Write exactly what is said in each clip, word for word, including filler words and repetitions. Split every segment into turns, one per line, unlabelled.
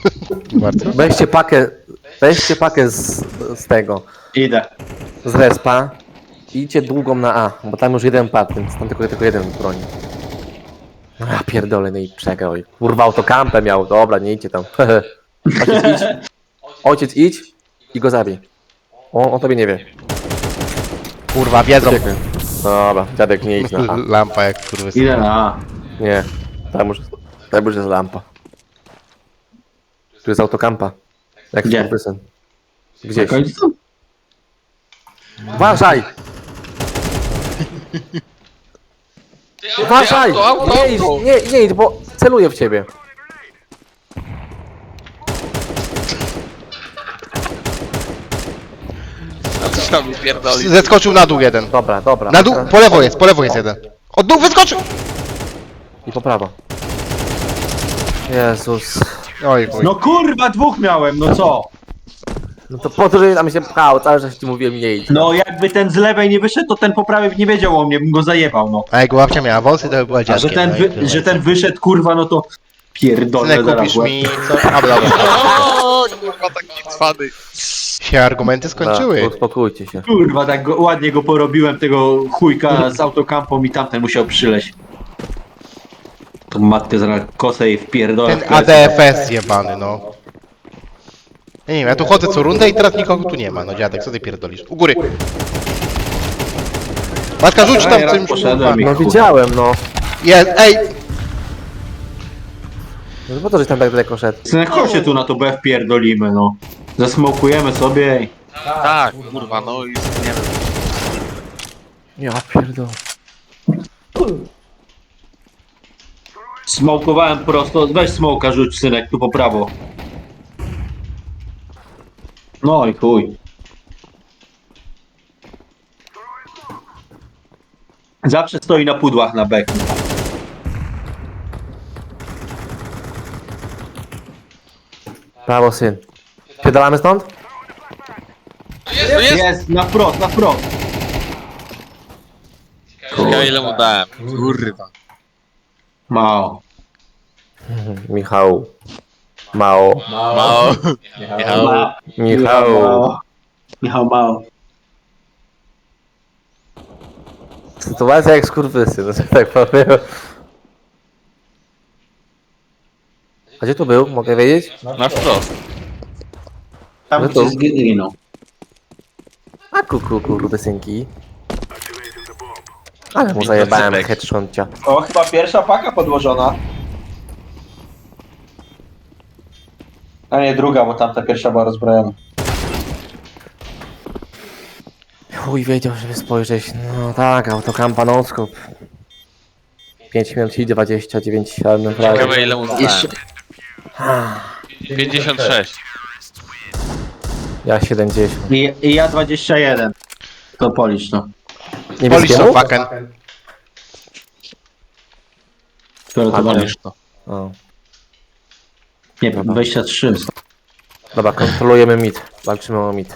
Bardzo.
Weźcie pakę, weźcie pakę z, z tego,
Idę.
z respa i idźcie długą na A, bo tam już jeden padł, więc tam tylko, tylko jeden broni. A pierdolę, no i przegrał. I kurwa autokampę miał, dobra, nie idźcie tam. Ojciec idź, ojciec idź i go zabij. On, on tobie nie wie.
Kurwa, wiedzą.
Uciekaj. Dobra, dziadek nie idź na A.
Lampa jak kurwa.
Idę na A.
Nie, tam już, tam już jest lampa. Tu jest autokampa. Jak
Gdzie?
skurwysyn.
Na
Gdzieś.
końcu?
Uważaj! Uważaj!
Auto, auto,
Nie idź,
auto.
nie, nie idź, bo celuję w ciebie.
A coś tam mi pierdoli.
Zeskoczył na dół jeden.
Dobra, dobra.
Na dół, po lewo jest, po lewo jest jeden. Od dół wyskoczył!
I po prawo. Jezus.
Oj, chuj.
No kurwa, dwóch miałem, no co?
No to po to, że tam się pchał, cały czas ci mówiłem nie idź.
No jakby ten z lewej nie wyszedł, to ten po prawej nie wiedział o mnie, bym go zajebał, no.
A jak babcia miała wąsy, to by była
A
dziadkiem.
że ten,
no i
wy,
tyle.
że ten wyszedł, kurwa, no to pierdolę
Synek,
zaraz
kupisz
łeb.
mi co? A, dobra.
O, kurwa, taki cwany.
Się argumenty
Dobra,
skończyły.
uspokójcie się.
Kurwa, tak go, ładnie go porobiłem, tego chujka z autokampą i tamten musiał przyleść. Tą matkę zaraz kosę i wpierdolę.
Ten A D F S jebany, no. Ja nie wiem, ja tu chodzę co rundę i teraz nikogo tu nie ma. No dziadek, co ty pierdolisz? U góry. Matka, rzuć tam
Ej, raz
czymś.
poszedłem i-
No widziałem, no.
Jest, ej!
No po to, że tam tak daleko szedł.
Synek, chodź się tu na to B wpierdolimy, no. Zasmokujemy sobie i...
Tak, kurwa, no i nie wiem.
Ja pierdolę.
Smokowałem prosto, weź smoka rzuć, synek, tu po prawo. No i chuj. Zawsze stoi na pudłach na beku.
Prawo, syn. Pierdalamy stąd?
Jest, jest.
Jest, na wprost, na wprost.
Ja ile mu dałem? Kurwa.
Mało.
Michał. Mało.
Mało. Michał.
Ma-
Michał.
mało. Michał mało.
Sytuacja jak skurwysyn, że tak powiem. A gdzie tu był? Mogę wiedzieć?
Na wprost.
Tam
No
gdzie
to-
zginął.
A kuku, kurwysynki. Ale mu zajebałem headshocia.
O, chyba pierwsza paka podłożona. A nie, druga, bo tamta pierwsza była rozbrojona.
Chuj wiedział, żeby spojrzeć. No tak, autokampa non-scope. pięć minut i dwadzieścia dziewięć siedem prawie.
Ciekawe ile mu dałem. pięćdziesiąt sześć.
Ja siedemdziesiąt.
I, I ja dwadzieścia jeden. To policz, no.
Polisz
Niebieskiemu?
to fucken.
Które to
A,
walisz?
to.
O.
Nie, dwadzieścia trzy.
Dobra, kontrolujemy mid. Walczymy o mid.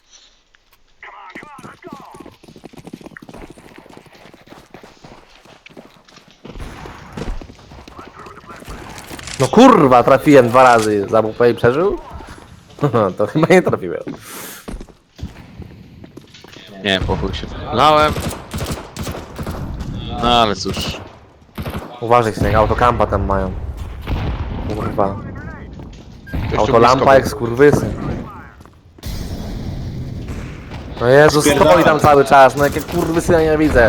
No kurwa, trafiłem dwa razy. Za W P i przeżył? To chyba nie trafiłem.
Nie, po chuj się wlałem. No ale cóż.
Uważaj się, autokampa tam mają. Kurwa.
Gościu
Autolampa
blisko
jak skurwysyn. No Jezus,
Spierdala.
stoi tam cały czas, no jakie kurwysyna nie widzę.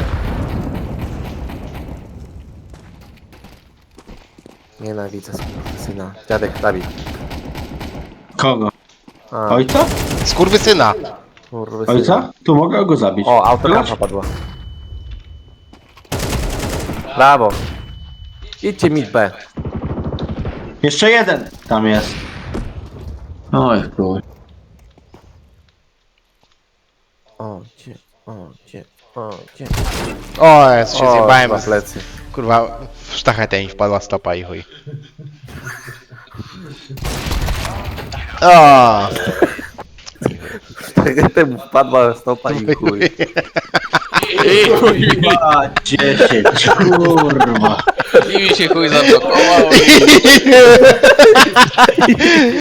Nienawidzę skurwysyna. Dziadek, Dawid.
Kogo?
A,
Ojca?
był. Skurwysyna.
kurwysyna.
Ojca? Tu mogę go zabić.
O, autokampa padła. Brawo. Idźcie mid B.
Jeszcze jeden tam jest. Oj, chuj.
O, gdzie, o, gdzie, o, gdzie.
O, jest, się
O,
zjebałem.
na plecy.
Kurwa, w sztachetę mi wpadła stopa i chuj. O,
Temu wpadła stopa i chuj.
I chuj mi,
A, dziesięć, kurwa.
i mi się chuj zablokował.